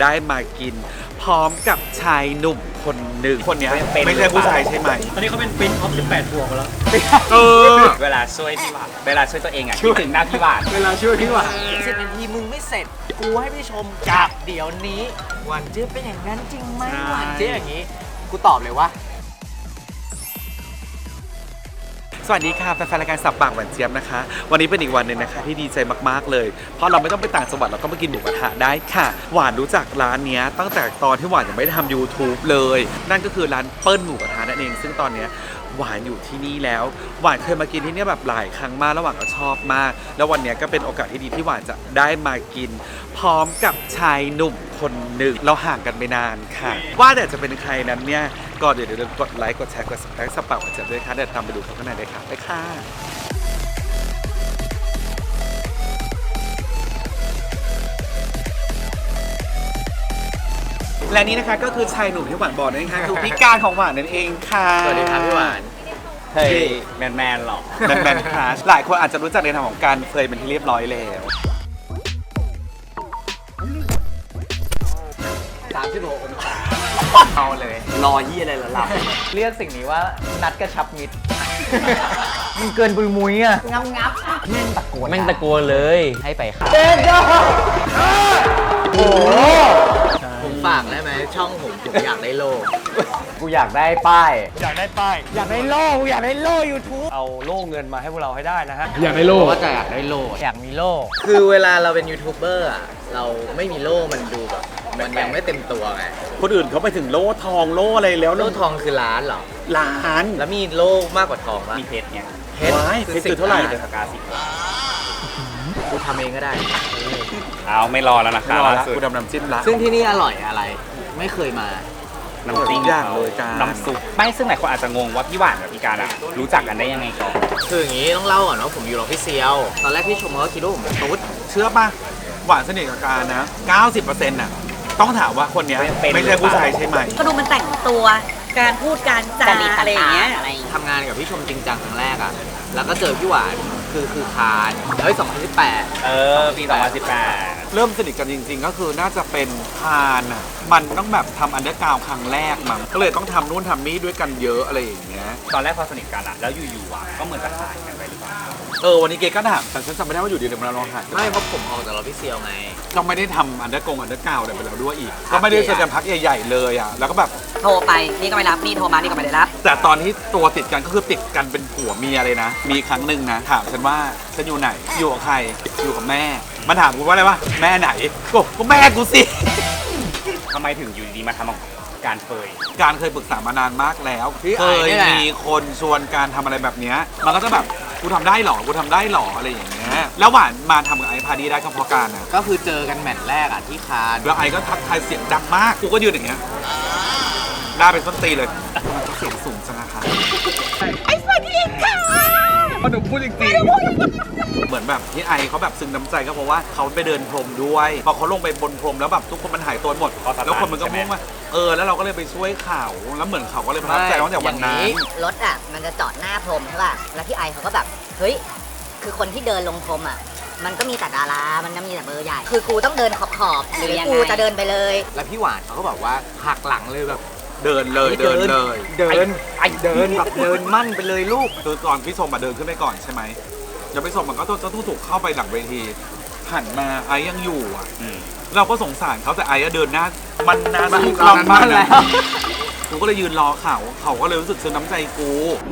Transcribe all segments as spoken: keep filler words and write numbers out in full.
ได้มากินพร้อมกับชายหนุ่มคนหนึ่งคนนี้ไม่ใช่ผู้ชายใช่ไหมตอนนี้เขาเป็นปิ้นออฟสิบแปดบวกแล้วเออเวลาช่วยพี่หวานเวลาช่วยตัวเองอ่ะคิดถึงหน้าพี่หวานเวลาช่วยพี่หวานสิบนาทีมึงไม่เสร็จกูให้พี่ชมกับเดี๋ยวนี้หวานเจี๊ยบเป็นอย่างนั้นจริงไหมหวานเจี๊ยบอย่างนี้กูตอบเลยว่าสวัสดีค่ะแฟนๆรายการสับปากหวานเจี๊ยบนะคะวันนี้เป็นอีกวันหนึ่งนะคะที่ดีใจมากๆเลยเพราะเราไม่ต้องไปต่างจังหวัดเราก็มากินหมูกระทะได้ค่ะหวานรู้จักร้านนี้ตั้งแต่ตอนที่หวานยังไม่ได้ทำ ยูทูบ เลยนั่นก็คือร้านเปิ้ลหมูกระทะนั่นเองซึ่งตอนนี้หวานอยู่ที่นี่แล้วหวานเคยมากินที่นี่แบบหลายครั้งมากแล้วหวานก็ชอบมากแล้ววันนี้ก็เป็นโอกาสที่ดีที่หวานจะได้มากินพร้อมกับชายหนุ่มคนหนึ่งเราห่างกันไปนานค่ะว่าแต่จะเป็นใครนั้นเนี่ยก็เดี๋ยวเดี๋ยวกดไลค์กดแชร์กด ซับสไครบ์ สับปากหวานเจี๊ยบด้วยค่ะเดี๋ยวตามไปดูเขาข้างในเลยค่ะไปค่ะและนี่นะคะก็คือชายหนุ่มที่หวานบอกนั่นเองค่ะคือพี่การของหวานนั่นเองค่ะสวัสดีครับพี่หวานเฮ้ยแมนแมนหรอแมนแมนคลาสหลายคนอาจจะรู้จักในทางของการเคยเป็นที่เรียบร้อยแล้วสามสิบหกองศาเอาเลยรอยี่อะไรล่ะหลับเรียกสิ่งนี้ว่านัดกระชับมิตรมันเกินปุยมุ้ยอ่ะงับงับแม่งตะโกนแม่งตะโกนเลยให้ไปครับเด็ดยอดโอ้ผมฝากได้ไหมช่องผมผมอยากได้โล่กูอยากได้ป้ายอยากได้ป้ายอยากได้โล่กูอยากได้โล่ยูทูบเอาโล่เงินมาให้พวกเราให้ได้นะฮะอยากได้โล่ก็จะอยากได้โล่อยากมีโล่คือเวลาเราเป็นยูทูบเบอร์อ่ะเราไม่มีโล่มันดูแบบมันยังไม่เต็มตัวไงคนอื่นเขาไปถึงโล่ทองโล่อะไรแล้วโล่ทองคือล้านเหรอล้านแล้วมีโล่มากกว่าทองมั้ยมีเพชรเนี่ยเพชรคือเท่าไหร่เลยสกาสิบกูทำเองก็ได้เอาไม่รอแล้วนะครับกูดำน้ำจิ้มละซึ่งที่นี่อร่อยอะไรไม่เคยมาน้ำจิ้มอย่างเลยการน้ำซุปไม่ซึ่งหลายคนอาจจะงงว่าพี่หวานกับพี่การอะรู้จักกันได้ยังไงก่อนคืออย่างนี้ต้องเล่าก่อนว่าผมอยู่กับพี่เซียวตอนแรกพี่ชมเขาคิดว่าผมเป็นตุ๊ดเชื่อป่ะหวานสนิทกับการนะ เก้าสิบเปอร์เซ็นต์ น่ะต้องถามว่าคนนี้ไม่ใช่ผู้ชายใช่ไหมก็ดูมันแต่งตัวการพูดการจาอะไรอย่างเงี้ยทำงานกับพี่ชมจริงจังครั้งแรกอ่ะแล้วก็เจอพี่หวานคือคือคานเฮ้ยสองพันสิบแปดเออปีสองพันสิบแปดเริ่มสนิทกันจริงๆก็คือน่าจะเป็นคานอ่ะมันต้องแบบทำอันเดอร์กราวด์ครั้งแรกมั้งก็เลยต้องทำนู่นทำนี่ด้วยกันเยอะอะไรอย่างเงี้ยตอนแรกพอสนิทกันอะแล้วอยู่ๆอ่ะก็เหมือนจะหายกันไปหรือเปล่าเออวันนี้เกก็ถามแต่ฉันจำไม่ได้ว่าอยู่ดีเดี๋ยวเราลองหายไม่เพราะผมออกจากเราพี่เซียวไงเราไม่ได้ทำอันเดอร์กงอันเดอร์กราวด์เดี๋ยวไปแล้วด้วยอีกก็ไม่ได้เจอกันพักใหญ่ๆเลยอ่ะแล้วก็แบบโทรไปนี่ก็ไม่รับนี่โทรมานี่ก็ไม่ได้รับแต่ตอนที่ตัวติดกันก็คือติดกันเป็นผัวเมียเลยนะมีครั้งหนึ่งนะถามฉันว่าฉันอยู่ไหนอยู่กับใครอยู่กับแม่มันถามกูว่าอะไรวะแม่ไหนก็ก็แม่กูสิทำไมถึงอยู่ดีมาทำการเฟยการเคยปรึกษามานานมากแล้วเคยมีคนชวนการทำอะไรแบบนี้มันก็จะแบบกูทำได้หรอกูทำได้หรออะไรอย่างเงี้ยแล้วหวานมาทำกับไอ้พาดีได้ก็เพราะการนะก็คือเจอกันแมตช์แรกอ่ะที่คานแล้วไอ้ก็ทักทายเสียงดังมากกูก็ยืนอย่างเงี้ยหน้าเป็นต้นตีเลยมันก็เสียงสูงจังนะคะไอ้สวัสดีค่ะพอหนูพูดจริงๆเหมือนแบบที่ไอเขาแบบซึ้งน้ำใจก็เพราะว่าเขาไปเดินพรมด้วยพอเขาลงไปบนพรมแล้วแบบทุกคนมันหายตัวหมดแล้วคนมันก็มุ่งว่าเออแล้วเราก็เลยไปช่วยเขาแล้วเหมือนเขาก็เลยประทับใจตั้งแต่วันนั้นรถอ่ะมันจะจอดหน้าพรมใช่ป่ะแล้วพี่ไอเขาก็แบบเฮ้ยคือคนที่เดินลงพรมอ่ะมันก็มีแต่ดารามันก็มีแต่เบอร์ใหญ่คือกูต้องเดินขอบๆหรือกูจะเดินไปเลยแล้วพี่หวานเขาก็บอกว่าหักหลังเลยแบบเดินเลยเดินเลยเดินไอเดินแบบเดินมั่นไปเลยลูกคือก่อนพี่ชมมาเดินขึ้นไปก่อนใช่ไหมเดี๋ยวพี่ชมมันก็จะต้องถูกเข้าไปหลังเวทีหันมาไอ้ยังอยู่อ่ะเราก็สงสารเขาแต่ไอ้เดินหน้ามันนานมากมากแล้วกูก็เลยยืนรอเขาเขาก็เลยรู้สึกซึ้งน้ำใจกู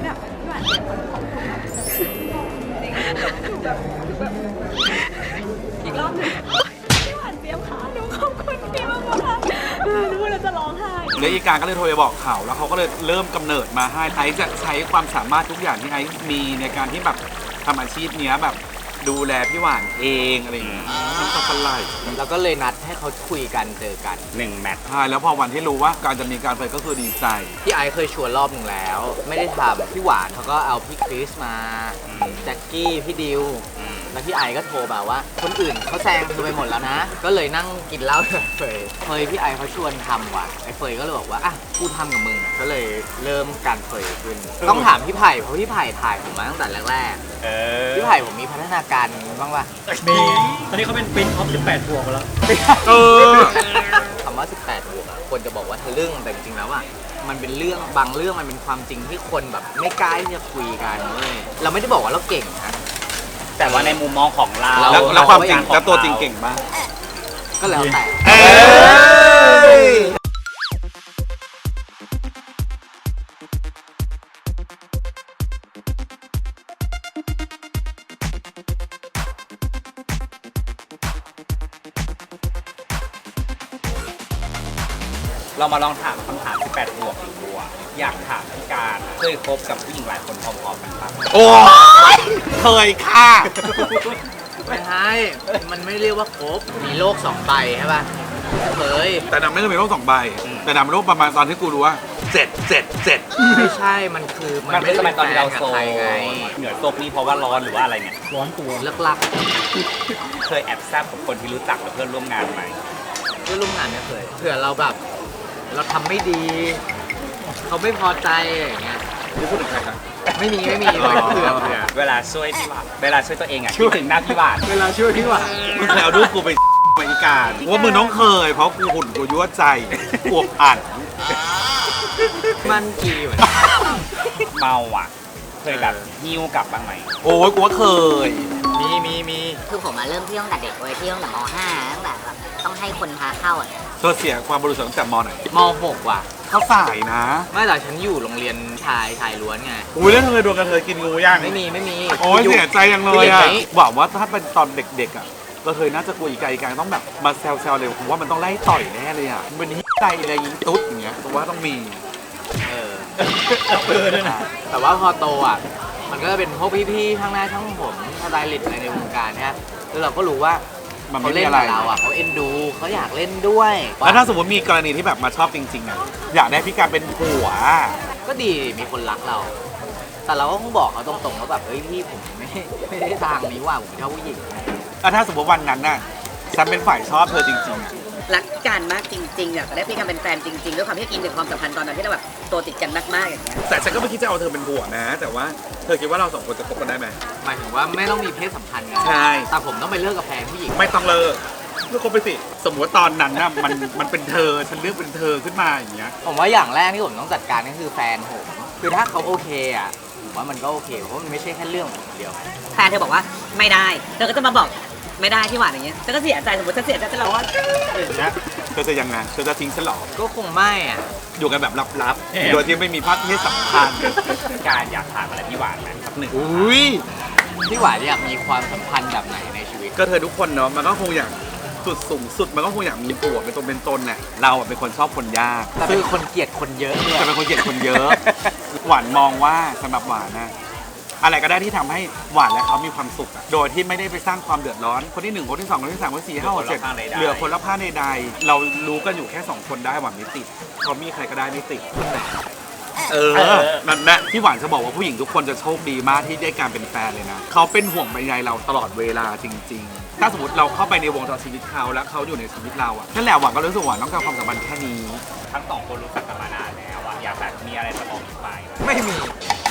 อีกรอบนึงพี่หวานเตรียมขาหนูขอบคุณพี่มากค่ะหนูพูดแล้วจะร้องไห้แล้วอีการก็เลยโทรไปบอกเขาแล้วเขาก็เลยเริ่มกำเนิดมาให้ไอ้จะใช้ความสามารถทุกอย่างที่ไอ้มีในการที่แบบทำอาชีพเนี้ยแบบดูแลพี่หวานเองอะไรอย่างเงี้ยน้ำตาสลายแล้วก็เลยนัดให้เขาคุยกันเจอกันหนึ่งแมตช์ใช่แล้วพอวันที่รู้ว่าการจะมีการไปก็คือดีใจพี่ไอซ์เคยชวนรอบหนึ่งแล้วไม่ได้ทำพี่หวานเขาก็เอาพี่คริสมาแจ็คกี้พี่ดิวแล้วพี่ไอก็โทรมาว่าคนอื่นเขาแซงเธอไปหมดแล้วนะก็เลยนั่งกินเหล้ากับเฟยเฟยพี่ไอเขาชวนทำว่ะไอเฟยก็เลยบอกว่าอ่ะกูทำกับมึงก็เลยเริ่มการเฟยขึ้นต้องถามพี่ไผ่เพราะพี่ไผ่ถ่ายผมมาตั้งแต่แรกๆพี่ไผ่ผมมีพัฒนาการบ้างป่ะมีตอนนี้เขาเป็นปิ้นออฟสิบแปดบวกแล้วเอออึ้งแต่จริงๆแล้วอ่ะมันเป็นเรื่องบางเรื่องมันเป็นความจริงที่คนแบบไม่กล้าที่จะคุยกันเว้ยเราไม่ได้บอกว่าเราเก่งนะแต่ว่าในมุมมองของเราเราแล้วแล้วความจริงเขแล้วตัวจริงเก่งมากก็แล้วแต่เอ้ยเรามาลองถามคำถามสิบแปดบวกอีกบัวอยากถามพี่การเคยคบกับผู้หญิงหลายคนพร้อมๆกันปะโอ้ยเคยค่ะไม่ใช่มันไม่เรียกว่าครบมีโลกสองใบใช่ป่ะเคยแต่นำไม่เคยมีโรคสองใบ แต่นำเป็นโรคประมาณตอนที่กูรู้ว่าเจ็ดเจ็ดเจ็ดไม่ใช่มันคือมันมันไม่ไม่ได้สมัยตอนที่เราป็โซแฟนกับใครไงเหนือโซกนี่เพราะว่าร้อนหรือว่าอะไรเนี่ยร้อนตัวเลิกลักเคยแอบแซบกับคนที่รู้จักหรือเพื่อนร่วมงานไหมเพื่อนร่วมงานไม่เคยเผื่อเราแบบ เราทำไม่ดี เขาไม่พอใจอย่างเงี้ยนี่พูดถึงใครครับไม่มีไม่มีเลยเผื่อเผื่อเวลาช่วยพี่หวานเวลาช่วยตัวเองอ่ะคิดถึงหน้าพี่หวานเวลาช่วยพี่หวานมึงเคยเอารูปกูไป ไปอีการว่ามึงต้องเคย เพราะกูหุ่นกูยั่วใจอวบอัดมันกี่วะเมาอ่ะ เคยแบบหิ้วกลับบ้างไหมโอ้ยกูว่าเคยมีมีมีคือผมมาเริ่มเที่ยวตั้งแต่เด็กเว้ยเที่ยวตั้งแต่ม ห้าตั้งแต่แบบต้องให้คนพาเข้าอ่ะเธอเสียความบริสุทธิ์ตั้งแต่มไหนมหกว่ะเขาสายนะไม่แต่ฉันอยู่โรงเรียนชายชายล้วนไงอุ้ยแล้วเธอเคยโดนกระเทยกินงูย่างไม่มีไม่มีโอ้ยเสียใจยังเลยอ่ะไม่มีหวังว่าถ้าเป็นตอนเด็กๆอ่ะกระเทยน่าจะกลัวอีกาอีกาต้องแบบมาแซวๆเลยผมว่ามันต้องไล่ต่อยแน่เลยอ่ะมันเป็นฮิตใจอะไรยิงตุ๊ดอย่างเงี้ยผมว่าต้องมีเออแต่ว่าพอโตอ่ะ มันก็จะเป็นพวกพี่ๆทั้งหน้าทั้งผมสไตลิสต์อะไรในวงการเนี่ยแล้วเราก็รู้ว่ามันเขาไม่เล่มีนอะไรกับเราอ่ะเขาเอ็นดูเขาอยากเล่นด้วยแล้วถ้าสมมติมีกรณีที่แบบมาชอบจริงๆอ่ะอยากได้พี่การเป็นผัวก็ดีมีคนรักเรา แต่เราก็คงบอกเขาตรงๆว่าแบบเฮ้ยพี่ผมไม่ไม่ได้ทางนี้ว่าผมชอบผู้หญิงแล้วถ้าสมมติวันนั้นน่ะฉันเป็นฝ่ายชอบเธอจริงๆอ่ะรักกันมากจริงๆอยากได้พี่กันเป็นแฟนจริงๆด้วยความที่อินถึงความสัมพันธ์ตอนนั้นที่เราแบบตัวติดกันมากๆอย่างเงี้ยแต่ฉันก็ไม่คิดจะเอาเธอเป็นผัวนะ แต่ว่าเธอคิดว่าเราสองคนจะคบกันได้ไหมหมายถึงว่าไม่ต้องมีเพศสัมพันธ์กันใช่แต่ผมต้องไปเลิกกับแฟนผู้หญิงไม่ต้องเลิกเลิกคบไปสิสมมติว่าตอนนั้นน่ะมันมันเป็นเธอฉันเลือกเป็นเธอขึ้นมาอย่างเงี้ยผมว่าอย่างแรกที่ผมต้องจัดการก็คือแฟนผมคือถ้าเขาโอเคอ่ะผมว่ามันก็โอเคเพราะมันไม่ใช่แค่เรื่องของคนเดียวแฟนเธอบอกว่าไม่ได้เธอก็จะมาบอกไม่ได้ที่หวานอย่างเงี้ยเธอก็เสียใจสมมติฉันเสียใจฉันร้องว่าอย่างเงี้ยเธอจะยังไงเธอจะทิ้งฉันเหรอก็คงไม่อ่ะอยู่กันแบบลับๆโดยที่ไม่มีภาพที่สำคัญการอยากถามอะไรพี่หวานไหมหนึ่งอุ้ยพี่หวานอยากมีความสัมพันธ์แบบไหนในชีวิตก็เธอทุกคนเนาะมันก็คงอยากสุดสูงสุดมันก็คงอยากมีผัวเป็นตัวเป็นตนแหละเราอะเป็นคนชอบคนยากแต่เป็นคนเกลียดคนเยอะเนี่ยจะเป็นคนเกลียดคนเยอะ หวานมองว่าสำหรับหวานนะอะไรก็ได้ที่ทำให้หวานและเขามีความสุขอะโดยที่ไม่ได้ไปสร้างความเดือดร้อน คนที่หนึ่งคนที่สองคนที่สามคนที่สี่ห้าหกเจ็ดเหลือคนละผ้าในใดๆเรารู้กันอยู่แค่สองคนได้หวานไม่ติดเขามีใครก็ได้ไม่ติดเออนั่นแหละที่หวานจะบอกว่าผู้หญิงทุกคนจะโชคดีมากที่ได้การเป็นแฟนเลยนะเขาเป็นห่วงใยใยเราตลอดเวลาจริง ๆ ถ้าสมมติเราเข้าไปในวงจรชีวิตเขาแล้วเขาอยู่ในชีวิตเราอะนั่นแหละหวานก็รู้สึกหวานต้องการความสัมพันธ์แค่นี้ทั้งสองคนรู้จักกันมานานแล้วอะอยากแบบมีอะไรจะบอกอีกฝ่ายไหมไม่มี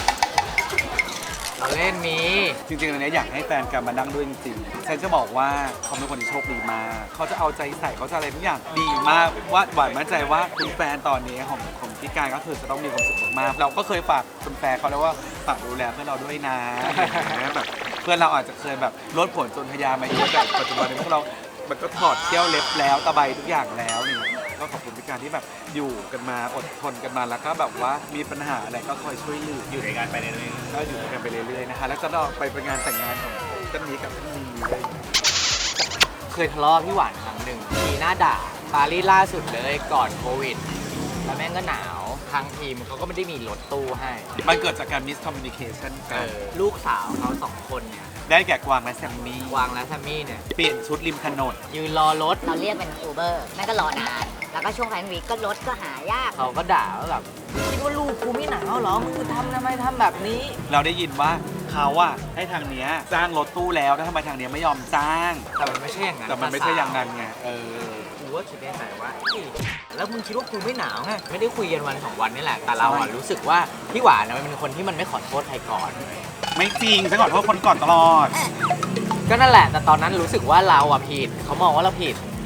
เราเล่นมีจริงๆอันเนี้ยอยากให้แฟนกันมานั่งด้วยจริงๆฉันจะบอกว่าเขาเป็นคนที่โชคดีมากเขาจะเอาใจใส่เขาจะอะไรทุกอย่างดีมากว่าหวานมั่นใจว่าคุณแฟนตอนนี้ของของพี่การก็คือจะต้องมีความสุขมากๆเราก็เคยฝากคุณแฟนเขาแล้วว่าฝากดูแลเพื่อนเราด้วยนะอย่างเงี้ยแบบเพื่อนเราอาจจะเคยแบบลดผลจนทยามาเยอะแต่ปัจจุบันนี้พวกเรา มันก็ถอดเที่ยวเล็บแล้วตะไบทุกอย่างแล้วนี่ก็ขอบคุณพี่การที่แบบอยู่กันมาอดทนกันมาแล้วก็แบบว่ามีปัญหาอะไรก็คอยช่วยเหลืออยู่ในงานไปเรื่อยก็อยู่ด้วยกันไปเรื่อยๆนะคะแล้วก็เราไปเป็นงานแต่งงานของท่านนี้กับท่านนี้เลยเคยทะเลาะพี่หวานครั้งหนึ่งมีหน้าด่าปารีสล่าสุดเลยก่อนโควิด แล้วแม่งก็หนาวทางทีมเขาก็ไม่ได้มีรถตู้ให้มันเกิดจากการมิสคอมมิวนิเคชันเอกันอลูกสาวเขาสองคนเนี่ยได้แก่กวางและแซมมี่วางและแซมมี่เนี่ยเปลี่ยนชุดริมถนนยืนรอรถเราเรียกเป็นอูเบอร์แม่ก็รอนาน แล้วก็ช่วงแฟนวีคก็รถก็หายากเขาก็ด่าว่าแบบคิดว่าลูกกูไม่หนาวเหรอมึงทำทำไมทำแบบนี้เราได้ยินว่าเขาอะให้ทางเนี้ยจ้างรถตู้แล้วแล้วทำไมทางเนี้ยไม่ยอมจ้างแต่มันไม่ใช่อย่างนั้นแต่มันไม่ใช่อย่างนั้นไงเออกูว่าคิดในใจว่าเฮ้ยแล้วมึงคิดว่ากูไม่หนาวไงไม่ได้คุยกันวันสองวันนี่แหละแต่เราอะรู้สึกว่าพี่หวานนะมันเป็นคนที่มันไม่ขอโทษใครก่อนไม่จริงฉันขอโทษคนก่อนตลอดก็นั่นแหละ แต่ตอนนั้นรู้สึกว่าเราอะผิดเขามองว่าเราผิด เพ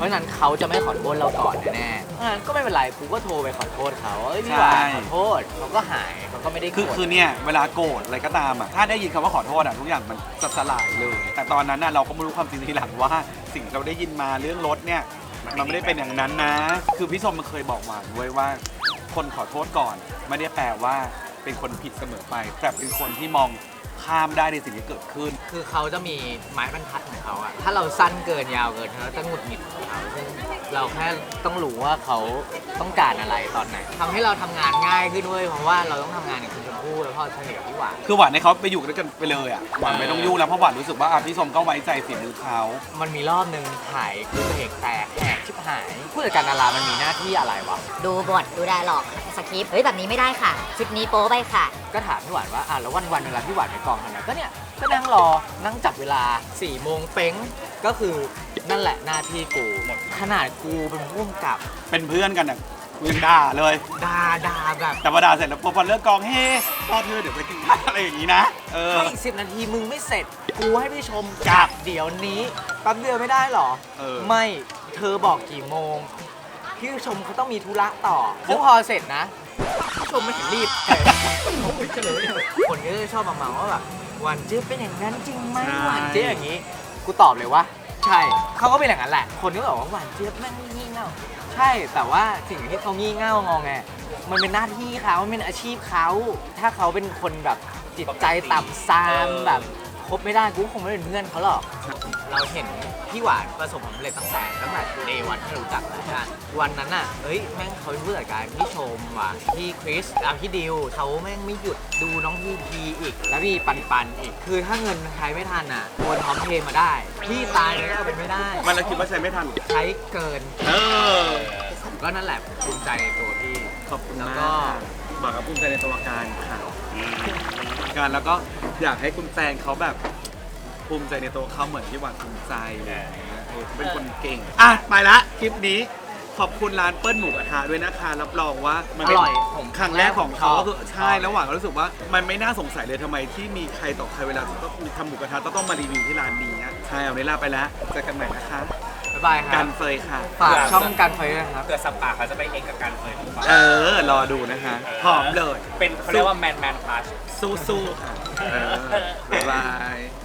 ราะฉะนั้นเขาจะไม่ขอโทษเราก่อนแน่ๆเพราะฉะนั้นก็ไม่เป็นไรกูก็โทรไปขอโทษเขาเอ้ยพี่หวานใช่ขอโทษเขาก็หายเขาก็ไม่ได้โกรคือธคือเนี่ยเวลาโกรธอะไรก็ตามอ่ะถ้าได้ยินคำว่าขอโทษอ่ะทุกอย่างมันจะสลายเลย แต่ตอนนั้นน่ะเราก็ไม่รู้ความจริงทีหลังว่าสิ่งที่เราได้ยินมาเรื่องรถเนี่ยมันไม่ได้เป็นอย่างนั้นนะ คือพี่ชมมันเคยบอกหวานด้วยว่า คนขอโทษก่อนไม่ได้แปลว่าเป็นคนผิดเสมอไป แต่เป็นคนที่มองข้ามได้ในสิ่งที่เกิดขึ้นคือเขาจะมีไม้บรรทัดของเขาอะถ้าเราสั้นเกินยาวเกินเขาจะหงุดหงิดของเขาซึ่งเราแค่ต้องรู้ว่าเขาต้องการอะไรตอนไหนทำให้เราทำงานง่ายขึ้นด้วยเพราะว่าเราต้องทำงานกับคุณชมพู่แล้วพอเฉลี่ยพี่หวานคือหวานให้เขาไปอยู่ด้วยกันไปเลยอ่ะหวานไม่ต้องยุ่งแล้วเพราะหวานรู้สึกว่าอ่ะพี่ชมก็ไว้ใจฝีมือเขามันมีรอบหนึ่งถ่ายคือเบรกแตกแหกชิบหายผู้จัดการดารามันมีหน้าที่อะไรวะดูบทดูไดร์ล็อกสคริปต์เฮ้ยแบบนี้ไม่ได้ค่ะ ชุดนี้โป๊ไปค่ะก็ถามพี่หวานว่าอ่ะแล้ววันวันๆเวลาพี่หวานไปกองทำไงก็เนี่ยก็นั่งรอนั่งจับเวลาสี่โมงเป้งก็คือนั่นแหละหน้าที่กูขนาดกูเป็นผู้กำกับเป็นเพื่อนกันอ่ะกูยังด่าเลยด่าด่าแบบแต่พอด่าเสร็จแล้วพอเลิกกองเฮ้ต่อเธอเดี๋ยวไปกินข้าวอะไรอย่างนี้นะ เออให้อีกสิบนาทีมึงไม่เสร็จ กูให้พี่ชมกลับเดี๋ยวนี้แป๊บเดียวไม่ได้หรอเออไม่เธอบอกกี่โมง พี่ชมเขาต้องมีธุระต่อซึ่งพอเสร็จนะพี่ชมไม่เห็นรีบคนก็จะชอบมาเมาว่าแบบหวานเจี๊ยบเป็นอย่างนั้นจริงไหมหวานเจี๊ยบอย่างนี้ กูตอบเลยว่า ใช่เขาก็เป็นอย่างนั้นแหละ คนก็บอกว่าหวานเจี๊ยบแม่งงี่เง่าใช่แต่ว่าสิ่งที่เขางี่เง่างอแงมันเป็นหน้าที่เขามันเป็นอาชีพเขาถ้าเขาเป็นคนแบบจิตใจต่ำซามแบบคบไม่ได้กูคงไม่เป็นเพื่อนเขาหรอก เราเห็นพี่หวานประสบความสำเร็จตั้งแต่ตั้งแต่เดย์วันที่รู้จักแล้วกันวันนั้นน่ะเอ้ยแม่งเขาเป็นผู้จัดการพี่ชมว่ะพี่คริสแล้วพี่ดิวเขาแม่งไม่หยุดดูน้องพีพีอีก แล้วพี่ปันปันอีก คือถ้าเงินใช้ไม่ทันอ่ะโอนพร้อมเพย์มาได้ พี่ตายเลยก็เป็นไม่ได้มันเราคิดว่าใช้ไม่ทันใช้เกินเออก็นั่นแหละภูมิใจในตัวพี่ขอบคุณแล้วมากก็บอกกับภูมิใจในตัวการค่ะการแล้วก็อยากให้คุณแฟนเขาแบบภูมิใจในตัวเขาเหมือนที่หวานภูมิใจเลยเออเขาเป็นคนเก่ง อ่ะไปละคลิปนี้ ขอบคุณร้านเปิ้ลหมูกระทะด้วยนะคะรับรองว่ามันเป็นอร่อยผมครั้งแรกของเขาชอบก็คือใช่แล้วหวานก็รู้สึกว่ามันไม่น่าสงสัยเลยทำไมที่มีใครต่อใครเวลาจะต้องทำหมูกระทะต้องต้องมารีวิวที่ร้านนี้อะใช่เอาเวลาไปแล้วเจอกันใหม่นะคะบ๊ายบายคกัรับนเฟยค่ะฝากช่องการไฟด้วยนะครับเกิดสัปปาเขาจะไปเองกับการเคยหรือเปล่าเออ รอดูนะคะพร้อมเลยเป็นเขาเรียกว่าแมนแมนคลาสสู้ๆค่ะเออบ๊ายบาย